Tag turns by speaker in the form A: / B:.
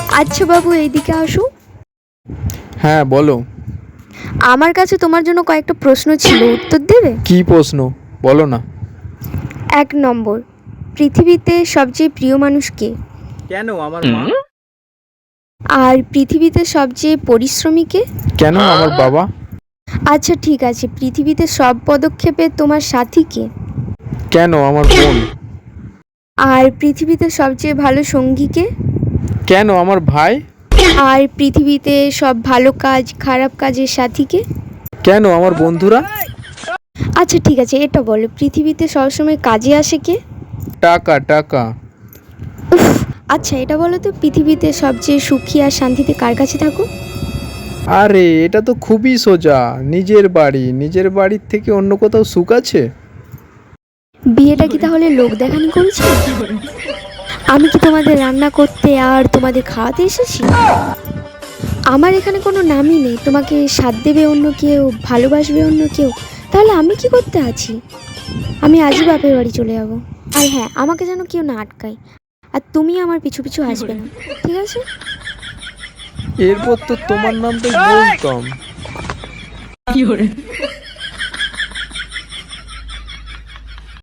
A: আচ্ছা বাবু, এইদিকে আসো।
B: হ্যাঁ বলো।
A: আমার কাছে তোমার জন্য কয়েকটা প্রশ্ন ছিল, উত্তর দেবে?
B: কি প্রশ্ন? বলো না।
A: 1 নম্বর, পৃথিবীতে সবচেয়ে প্রিয় মানুষ কে?
B: কেন আমার মা?
A: আর পৃথিবীতে সবচেয়ে পরিশ্রমী কে?
B: কেন আমার বাবা?
A: আচ্ছা ঠিক আছে, পৃথিবীতে সব পদক্ষেপে তোমার সাথী কে?
B: কেন আমার বোন?
A: আর পৃথিবীতে সবচেয়ে ভালো সঙ্গী কে?
B: কেন আমার ভাই?
A: আর পৃথিবীতে সব ভালো কাজ খারাপ কাজের সাথী কে?
B: কেন আমার বন্ধুরা?
A: আচ্ছা ঠিক আছে, এটা বলো, পৃথিবীতে সবসময় কাজে আসে কে?
B: টাকা টাকা।
A: উফ, আচ্ছা এটা বলো তো, পৃথিবীতে সবচেয়ে সুখী আর শান্তিতে কার কাছে থাকো?
B: আরে এটা তো খুবই সোজা, নিজের বাড়ি। নিজের বাড়ির থেকে অন্য কোথাও সুখ আছে?
A: বিয়েটা কি তাহলে লোক দেখানি করেছি? আমি কি তোমাদের রান্না করতে আর তোমাদের খাওয়াতে এসেছি? আমার এখানে কোনো নামই নেই, তোমাকে সাথ দেবে অন্য কেউ, ভালোবাসবে অন্য কেউ, তাহলে আমি কি করতে আছি? আমি আজই বাপের বাড়ি চলে যাব। আর হ্যাঁ, আমাকে যেন কেউ না আটকায়, আর তুমি আমার পিছু পিছু আসবে না, ঠিক আছে?
B: এরপর তো তোমার নামটাই বলতাম।